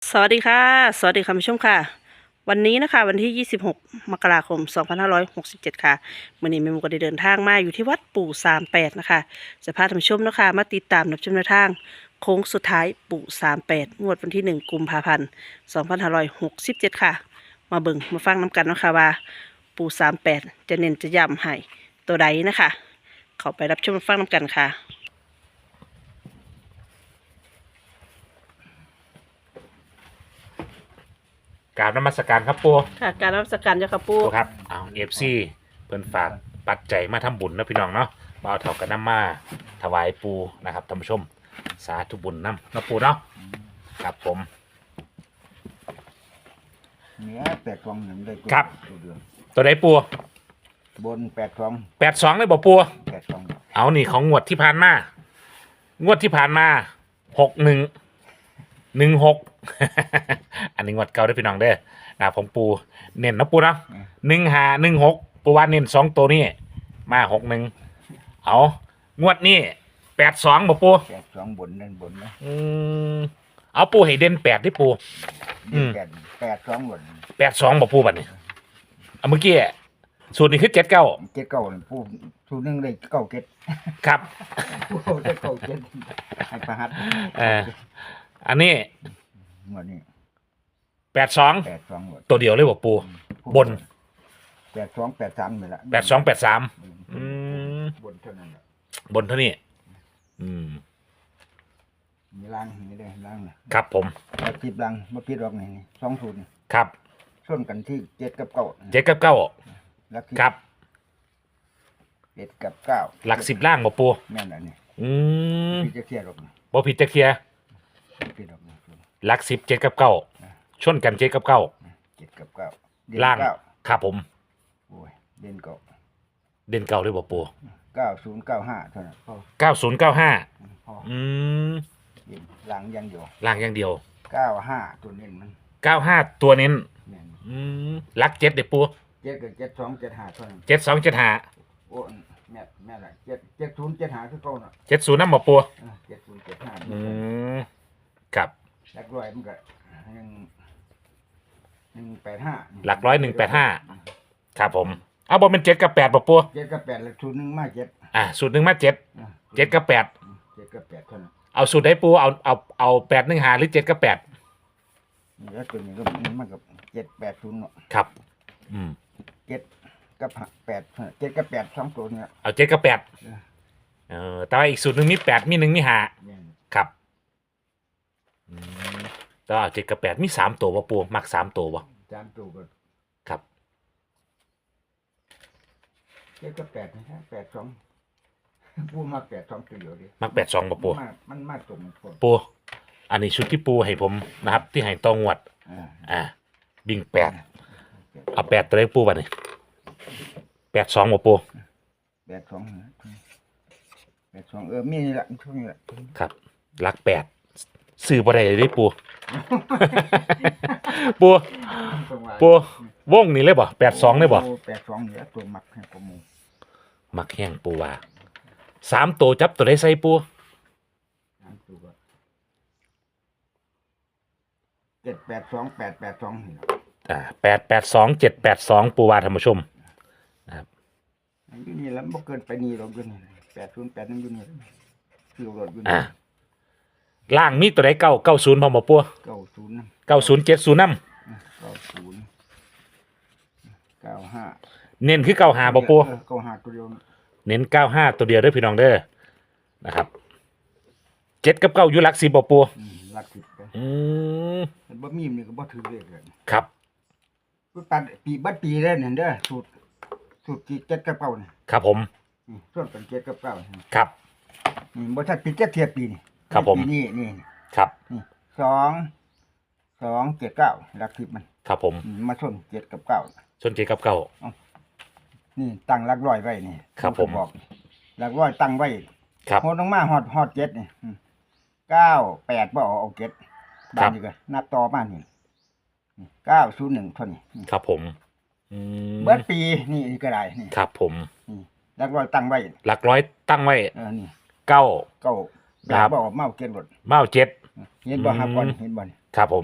สวัสดีค่ะสวัสดีคุณผู้ชมค่ะวันนี้นะคะวันที่26มกราคม2567ค่ะมื่อนี้แม่หมูก็ได้เดินทางมาอยู่ที่วัดปู่38นะคะจะพาท่านผู้ชมนะคะมาติดตามรับชมแนวทางโค้งสุดท้ายปู่38งวดวันที่1กุมภาพันธ์2567ค่ะมาเบิ่งมาฟังน้ำกันเนาะคะว่าปู่38จะเน้นจะย้ำให้ตัวใดนะคะเข้าไปรับชมฟังน้ำกันค่ะกราบนมัสการครับปูค่ะการรับสการเจ้าค่ะปู่ปูครับเอาFCเพิ่นฝากปัจจัยมาทำบุญนะพี่น้องเนาะบ่าวเท่ากันน้ำมาถวายปูนะครับท่านผู้ชมสาธุบุญน้ำนะปูเนาะครับผมเนื้อ8 ฟองหนึ่งได้ครับตัวเดือนตัวใดปูบน8 ฟอง 82เลยบ่ปู 8 ฟองเอานี่ของงวดที่ผ่านมางวดที่ผ่านมา6116 อันนี้งวดเก่าได้อพี่น้องเด้อนะครับของปูเน้นนะปูเนาะ1516ปูว่าเน้น2ตัวนี้มา61เอางวดนี้82บ่ปู 8 ฟองบนนั่นบนนะเอาปูให้เด่น8ที่ปู อืม 8 ฟองบน 82บ่ปูบัดนี้เอาเมื่อกี้สูตรนี้คือ79 เจ็ดเก้านี่ผู้สูนึงได้เก้าเจ็ดครับผู้เอาได้เก้าเจ็ดให้ประหัตอันนี้หมดนี่ 82 8 ฟองหมดตัวเดียวเลยบ่ปูบน 8 ฟอง8 3นี่แหละ 8283 บนเท่านั้นแหละบนเท่านี้มีล้างนี่ได้ล้างนะครับผมแล้วปิดล้างมาปิดออกนี่2 สูตรนี่ครับส่วนกันที่7 กับ 9 7กับ9 แล้วครับ 7 กับ 9 หลัก10ล่างบ่ปูแม่นอันนี้ พี่จะเคลียร์หรอกนะบ่ผิดจะเคลียร์ปิดออกนะหลัก10 7กับ9ชนกัน7กับ9 7 กับ 9 ล่างเก้าครับผมโอ้ยเด่นเก้าเด่นเก่าเลยบ่ปู 9095เท่านั้นพอ 9095 พอเเด่นหลังยังอยู่ล่างอย่างเดียว 95ตัวเน้นมัน 95ตัวเน้นแม่นหลัก7เด้อปู 7กับ72 75เท่านั้น 7275 โอ้แม่ละ70 75คือเก่าน่ะ 70นำบ่ปู 70 75 ครับหลักร้อยมันก็185 หลักร้อย185ครับผม เอาบ่เป็น7กับ8บ่ปู 7กับ8แล้วสูตรหนึงมา7 สูตรหนึ่งมา7 7กับ8 7กับ8เท่านั้นเอาสูตรได้ปูเอา8 1 5หรือ7กับ8 นี่แล้วตัวนี้ก็มันกับ780เนาะครับ 7กับ8 7กับ8 2ตัวเนี่ยเอา7กับ8แต่ว่าอีกสูตรหนึ่งมี8มี1มี5 แม่นครับแต่ว่าเอา7กับ8มี3ตัวบ่ปูมัก3ตัวบ่จานตัวก็ครับ 7กับ8นะฮะ82พูดมา82ตัวเดียวดิมัก82บ่ปูมันมาตรงคนปูอันนี้ชุดที่ปูให้ผมนะครับ ที่ให้ตองวด บิ่ง8เอา8ตัวเลขปูบัดนี้82บ่ปู 82นะ82มีนี่ละช่วงนี้ละครับหลัก8ซื้อบ่ได้เลยเด้ปู ปูวงนี่เลยบ่82เลยบ่ 82นี่ละตัวมักให้ประมูลมักแห้งปูว่า3ตัวจับตัวได้ใส่ปูจานตัวก็782 882นี่ละ 882 782ปูว่าท่านผู้ชมอยู่นี่ละบ่เกินไปนี่หรอกอยู่นี่808นั่นอยู่นี่คือรถอยู่อ่านี่ล่างมีตัวใด90พร้อมบ่ปู 90นะ 90 70นำ 90 95 เน้นคือ95บ่ปู 95ตัวเดียวเน้น95ตัวเดียวเด้อพี่น้องเด้อนะครับ7กับ9อยู่หลัก10บ่ปูหลัก10ไป มันบ่มีมันก็บ่ถือเลขเลยครับปัดปีบัดปีแล้วนั่นเด้อสูตรที่7กับ9นี่ครับผมส่วนกัน7กับ9นี่ครับบ่ทันปี7เทียบปีนี่ครับผมปีนี้นี่ครับนี่2 7 9หลัก10มันครับผมมาชน7กับ9 ชน7กับ9 นี่ตั้งหลักร้อยไว้นี่ครับผมบอกหลักร้อยตั้งไว้ครับโหดลงมาฮอด7นี่9 8บ่เอา7บ้านนี่ก็นับต่อมานี่901เท่านี้ครับผมเบิดปีนี่ก็ได้นี่ครับผมหลักร้อยตั้งไว้หลักร้อยตั้งไว้นี่ 9 9 ครับบ่เมาเก็บรถเมา7 เห็นบ่หาก่อนเห็นบ่นี่ครับผม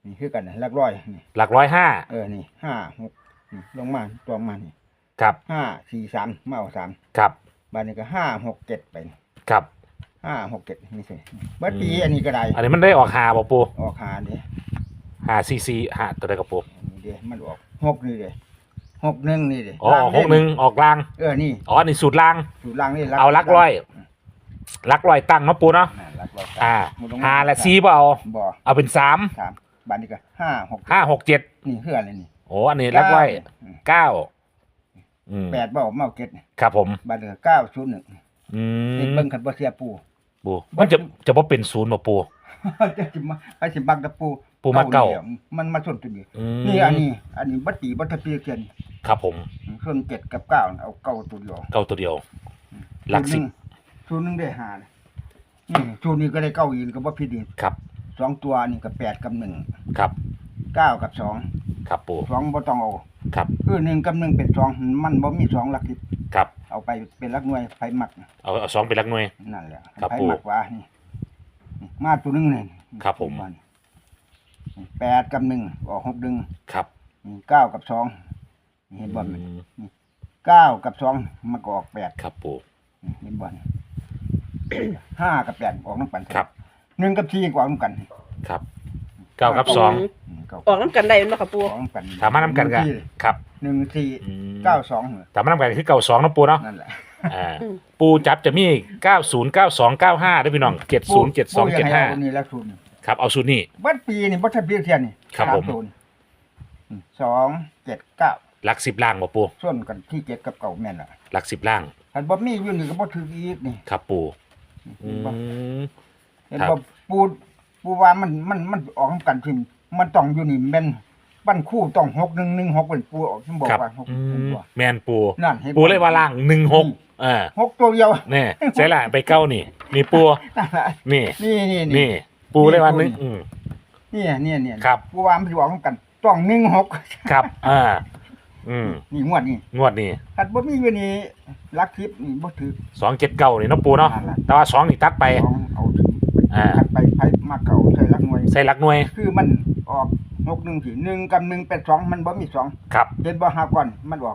นี่คือกันนะหลักร้อยนี่หลักร้อยห้านี่ห้าหกนี่ลงมาตัวมานี่ครับห้าสี่สามมาเอาสามครับบานนี้ก็ห้าหกเจ็ดไปนี่ครับห้าหกเจ็ดนี่สิเบิดปีอันนี้ก็ได้อันนี้มันได้ออกหาบ่ปูออกหาเด้หาซีซีหาตัวใดกับปูนี่เด้มันออกหกนี่เด้หกหนึ่งนี่เด้อ๋อออก61ออกล่างนี่อ๋อนี่สูตรล่างอยู่ล่างนี่เอาหลักร้อยหลักร้อยตั้งเนาะปูเนาะหลักร้อยหาและซีบ่เอาบ่เอาเป็น3 สามบานนี้ก็ห้าหก 5 6 7 นี่เพื่ออะไรนี่โอ้อันนี้หลักร้อย9 แปดบ่มาเอาเก็ดครับผมบานนี้ก็เก้าศูนย์หนึ่งอืนี่มเบิ่งคันบ่เสียปูปูมันจะบ่เป็นศูนย์บ่ปูจะสิมาไปสิบักตะปูปูมาเก้านี่ยมันมาส่วนตัวนี้อืมนี่อันนี้บัดปีบัดทะเปียเกียนครับผมส่วนเจ็ดกับเก้าเอาเก้าตัวเดียวเก้าตัวเดียว หลักสิบศูนย์หนึ่งได้ห้านี่ศูนย์นี้ก็ได้เก้าอีกก็บ่ผิดอีกครับสองตัวนี่ก็แปดกับหนึ่งครับเก้ากับสองครับปูสองบ่ต้องเอาครับคือหนึ่งกับหนึ่งเป็นสองมันบ่มีสองหลักสิบครับเอาไปเป็นหลักหน่วยไฟหมักเอา2เป็นหลักหน่วยนั่นแหละครับไฟปู่หมักว่านี่มาตัวหนึงนี่ครับผมแปดกับหนึ่งออกหกดึงครับเก้ากับสองเห็นบ่อืมเก้ากับสองมันก็ออกแปดครับปูเห็นบ่ห้ากับแปดออกน้ำกันครับหนึ่งกับสี่ก็ออกน้ำกันครับ9กับก็ออกน้ำกันได้ไหมคะปูออกน้ำกัน 2ถามมานํกันกันครับหนึ่งสี่อืมเก้าสองถามมานํกันคือ92เนาะปูเนาะนั่นแหละอ่าปูจับจะมี90 92 95ด้วยพี่น้อง70 72 นี่แล้วศูนย์ 75ครับเอาสูตรนี้บัดปีนี่บัดทะเบียนเทียนนี่ครับผมศูนย์สองเจ็ดเก้าหลัก10ล่างบ่ปูส่วนกันที่เจ็ดกับเก่าแม่นล่ะหลัก10ล่างคันบ่มีอยู่นี่ก็บ่ถืออีกนี่ครับปูอืมเห็นครับบ่ปูว่ามันออกนำกันทิมมันต้องอยู่นี่แม่นปั้นคู่ต้อง6116เป็นปูออกที่บอกครับว่า6 อืเป็นมบ่แมนปูนั่นเห็นบ่ปูเลยว่าล่าง16 6ตัวเดียวแน่ใช่ละไปเก้านี่นี่ปูนั่นล่ะนี่นี่นี่ ปูเลยว่านึงนี่ครับปูว่ามันสิออกนำกันต้อง16 ครับอืมนี่งวดนี้งวดนี้คันบ่มีอยู่นี่ลักทิพย์นี่บ่ถือ 279นี่เนาะปูเนาะนั่นล่ะแต่ว่า2นี่ตัดไปเอาถึง คันไปมาเก่าใส่ลักหน่วยใส่หลักหน่วยคือมันออก61สิ1กับ1เป็น2มันบ่มี2 ครับเห็นบ่หาก่อนมันออก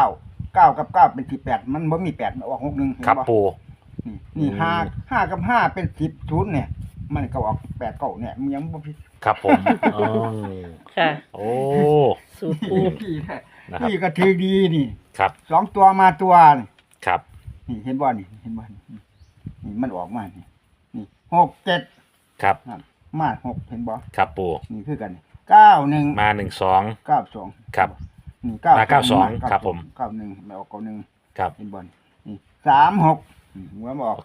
9 9กับ9เป็น18มันบ่มี8มันออก61เห็นครับบ่ปูนี่5กับ5เป็น10 0เนี่ยมันก็ออก8 9เนี่ยมันยังบ่ผิดครับผมอ๋อค่ะโอ้สูตรปูพี่แท้นะครับพี่ก็ถือดีนี่ครับ 2ตัวมาตัวนี่ครับนี่เห็นบ่นี่เห็นบ่นี่มันออกมานี่6 7 ครับมา6เห็นบ่ครับปูนี่คือกัน9 1 มา12 92 ครับนี่มา92ครับผม 91ไม่ออก91 ครับเป็นบอลนี่36หัวมาออก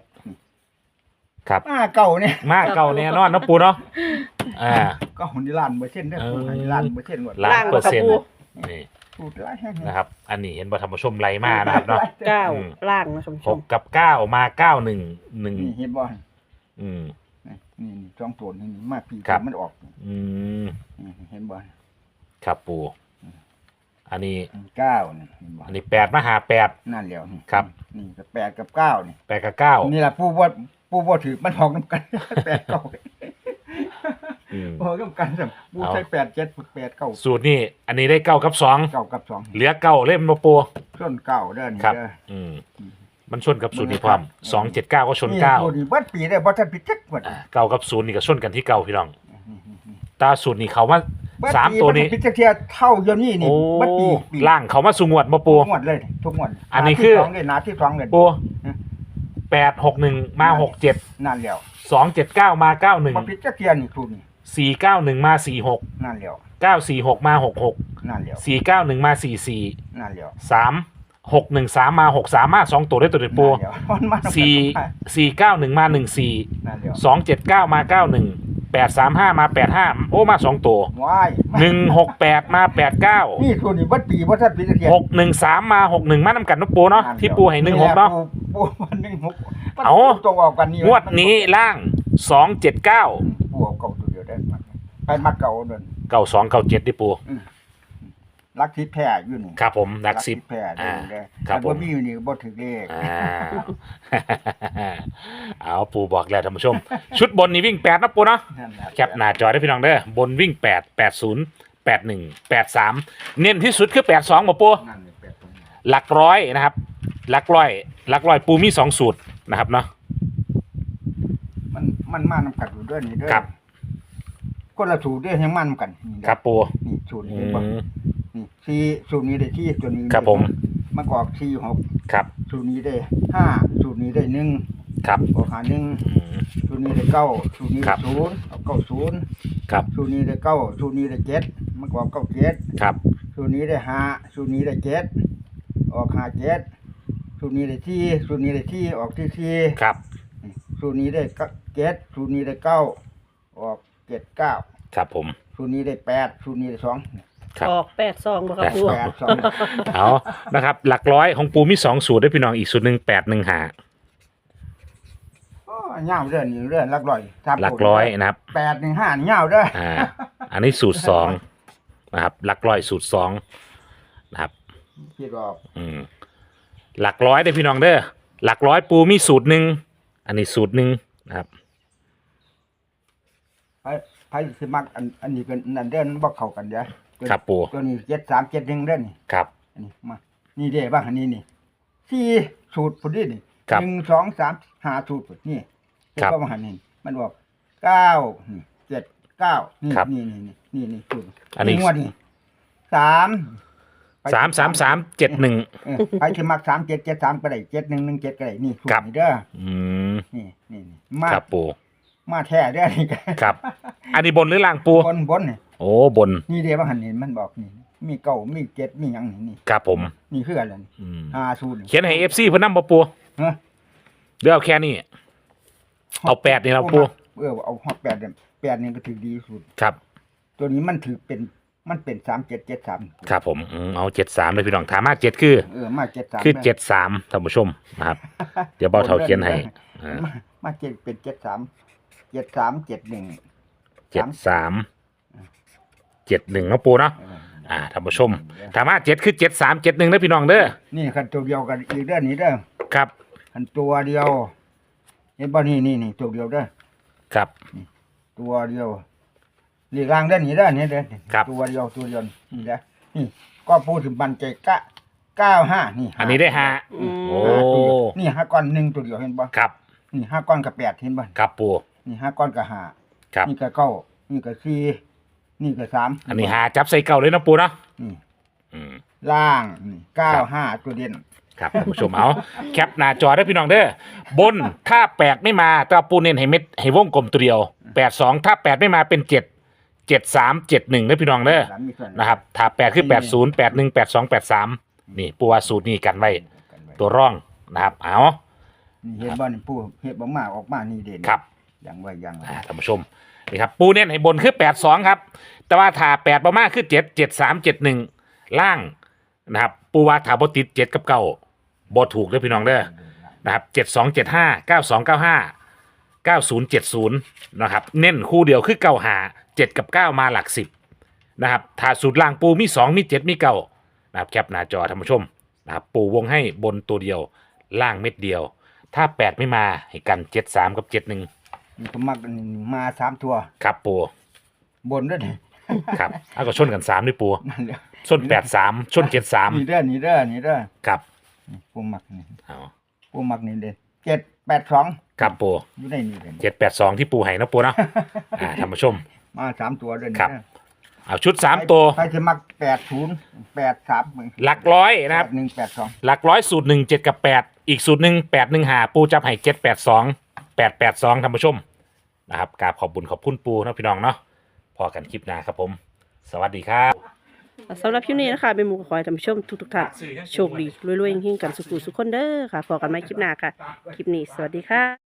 46ครับเก่าเนี่ยมาเก่าแน่นอนเนาะปูเนาะก็หุ่นที่ล้านเปอร์เซ็นต์ได้เออหุ่นที่ล้านเปอร์เซ็นต์หมดล้านเปอร์เซ็นต์ล่างบ่ครับนี่พูดหลายแห่งนะครับ อันนี้เห็นบ่ธรรมชมไรมานะครับเนาะเก้าอืมล่างนะคุณผู้ชหมกกับ9มา91 นี่ 1 เห็นบ่อืมนี่จองโจรนี่มากปีครับมันออกอืมนี่เห็นบ่ครับปูอันนี้ 9นี่เห็นบ่อันนี้8มาหา8 นั่นแล้วนี่ครับนี่ก็8กับ9นี่ 8กับ9 นี่ล่ะผู้บ่ถือมันออกนํกัน 8 9 อืมออกนํกันซ้ํผู้ใช้8 7 8 9 สูตรนี้อันนี้ได้9กับ2 9กับ2 เหลือ9เล่มมาปูส่วนเก่าเด้อนี่ครับเด้ออืมมันชนกับสูตรนี้พร้อม279ก็ชนนี่ตัวนี้เบิดปีได้บ่ทันผิดจักหมด 9เก้ากับ0นี่ก็ชนกันที่เก่าพี่น้องตาสูตรนี้เขามาเบิดสามปีตัวนี้บ่ทัผิดจักเที่ยเท่าเดี๋ยวนี้นี่โอ้เบิดปีล่างเขามาสูงวดมาปูทุกงวดเลยทุกงวดอันนี้คือหาที่สองเลยหนาที่สองเลยปูฮะ 861มา67 นั่นแล้ว 279มา91 บ่ผิดจักเที่ยนี่ทุนนี่ 491มา46 นั่นแล้ว 946มา66 นั่นแล้ว 491มา44 นั่นแล้ว 3613มา63มา2ตัวได้ตัวเด็ดปูนั่นแล้วมันมา 491มา14 นั่นแล้ว 279มา91 835มา85โอ้มา2ตัวว้าย 168มา89 นี่ทุนนี่เบิดปีบ่ทันผิดจักเที่ย 613มา61มานำกันเนาะปูเนาะที่ปูให้16เนาะปูมัน16มันเอาตรงออกกันนี่งวดนี้ล่าง279 ปูเอาเก่าตัวเดียวได้มันไปมาเก่าเดิน 9297ดิปูรักทิพย์แพ้อยู่นี่ครับผมหลักสิบแพ้ได้เลยครับแต่ผมบ่มีอยู่นี่ก็บ่ถึงเลขอ่า เอาปูบอกแล้วท่านผู้ชม ชุดบนนี่วิ่ง8นะปูเนาะนั่นแหละแคปหน้าจอได้พี่น้องเด้อบนวิ่ง8 80 81 83เน้นที่สุดคือ82บ่ปูนั่นนี่แปดตรงนี้หลักร้อยนะครับหลักร้อยปูมี2สูตรนะครับเนาะมันมานำกันอยู่ด้วยนี่เด้อครับคนละสูตรเด้อยังมานำกันนี่เด้อครับปูนี่สูตรอืนี้บ่มนี่สี่สูตรนี้ได้ที่ตัวนี้ครับผมมันก็ออก4 6 ครับสูตรนี้ได้5สูตรนี้ได้1 ครับออกหา1 อืมสูตรนี้ได้9สูตรนี้ครัได้บ 0ออก90 ครับสูตรนี้ได้9สูตรนี้ได้7มันก็ออก97 ครับสูตรนี้ได้5สูตรนี้ได้7ออก57สูตรนี้ได้4สูตรนี้ได้4ออกที่4 ครับสูตรนี้ได้7สูตรนี้ได้9ออก79 ครับผมสูตรนี้ได้8สูตรนี้ได้2 ครับออก8 2บ่ครับปู 8 2 เอานะครับหลักร้อยของปูมี2สูตรได้พี่น้องอีกสูตรหนึ่ง8 1หาโอ้ยาวเด้อนี่เด้อหลักร้อยครับหลักร้อยนะครับ 8 1 5ยาวเด้ออันนี้สูตร2นะครับหลักร้อยสูตร2นะครับคิดว่าหลักร้อยได้พี่น้องเด้อหลักร้อยปูมีสูตรหนึ่งอันนี้สูตรหนึ่งนะครับไผสิมักอันนี้เป็นนั่นเด้อบ่เข้ากันเด้อตัวครับปูตัวนี้73 71เด้อนี่ครับอันนี้มานี่เด้บ้างอันนี้นี่4สูตรพุ่นนี่นี่ครับ 1 2 3 5สูตรพุ่นนี่ครับเฮ็ดว่าหันนี่มันบอก9นี่7 9นี่ครับนี่สูตรอันนี้งวดนี่3 3 7 1 ไปสิมัก3 7 7 3ก็ได้7 1 1 7ก็ได้นี่สูตครัรบนี่เด้ออืมนี่มาครับปูมาแท้เด้อนี่ก็ครับ อันนี้บนหรือล่างปูบนนี่โอ้บนนี่เด้ว่าหันนี่มันบอกนี่มีเก้ามี7มีหยังนี่ครับผมนี่คืออะไรนี่อืม 5สูตรนี่เขียนให้ FC เพิ่นนำบ่ปูฮะเดี๋ยวเอาแค่นี้ เอา8นี่เราปูเอาฮอด8เนี่ย8นี่ก็ถือดีสุดครับตัวนี้มันถือเป็น3773 ครับผมเอา73เลยพี่น้องถามมา7คือมา73 คือ73ท่านผู้ชมนะครับ เดี๋ยวเบาเท่าเขียนให้อ่ามาเจ็ดเป็น73 73 71 73 71เนาะปูเนาะท่านผู้ชมถามมา7คือ73 71นะพี่น้องเด้อนี่คันตัวเดียวกันอีกเด้อนี่เด้อครับคันตัวเดียวเห็นบ่นี่ตัวเดียวเด้อครับตัวเดียวเรียกร่างเด้อนี่เด้อนี่เด้อครับตัวเดียวนี่เด้อนี่ก็พูดถึงบันใจ95นี่อันนี้ได้ห้าอืมโอ้นี่5ก้อน1ตัวเดียวเห็นบ่ครับนี่5ก้อนกับ8เห็นบ่ครับปูนี่5ก้อนกับครับ 5นี่ก็9นี่ก็4นี่ก็3 อันนี้หาจับใส่เก่าเลยนะปูเนาะนี่อืมล่างนี่95ตัวเด่นครับท่านผู้ชมเอาแคปหน้าจอได้พี่น้องเด้อบนถ้า8ไม่มาแต่ว่าปูเน้นให้เม็ดให้วงกลมตัวเดียว82ถ้า8ไม่มาเป็น7 73 71นะพี่น้องเด้อสามมีส่วนนะครับถ้า8คือ80 81 82 83นี่ปูว่าสูตรนี้กันไว้ตัวร่องนะครับเอานี่เฮ็ดบ่นี่ผู้เฮ็ดบ่มาออกมานี่เด่นครับอย่างไว้อย่างไว้ท่านผู้ชมนี่ครับปูเน้นให้บนคือ82ครับแต่ว่าถ้า8ประมาณคือ7 73 71ล่างนะครับปูว่าถ้าบ่ติด7กับ9บ่ถูกเด้อพี่น้องเด้อนะครับ7275 9295 9070นะครับเน้นคู่เดียวคือ95 7กับ9มาหลัก10นะครับถ้าสูตรล่างปูมี2มี7มี9นะครับแคปหน้าจอท่านผู้ชมนะครับปูวงให้บนตัวเดียวล่างเม็ดเดียว ถ้า8ไม่มาให้กัน73กับ71 นี่ก็มักนี่มา3ตัวครับปูบนด้วยนี่ครับเอาก็ชนกัน3ด้วยปูนั่นแหละชน83ชนนี่ 73 เด้อนี่เด้อนี่เด้อครับนี่ผู้มักนี่เอาผู้มักนี่เด่น782 ครับปูอยู่ในนี่เด่น 782ที่ปูให้นะปูเนาะท่านผู้ชมมา3ตัวเด้อนี่ครับเด้อเอาชุด3ตัวใครจะมัก80 83 หลักร้อยนะครับ 182 หลักร้อยสูตร1 7กับ8อีกสูตรหนึ่ง8 1หาปูจับให้782 882ท่านผู้ชมนะครับกราบขอบบุญขอบคุณปูนะพี่น้องเนาะพอกันคลิปหน้าครับผม สวัสดีครับสำหรับคลิปนี้นะคะเป็นหมู่ขอให้ท่านผู้ชมทุกท่านโชคดีรวยๆเฮงๆกันสุขุสุขคนเด้อค่ะพอกันไหมคลิปหน้าค่ะ คลิปนี้สวัสดีค่ะ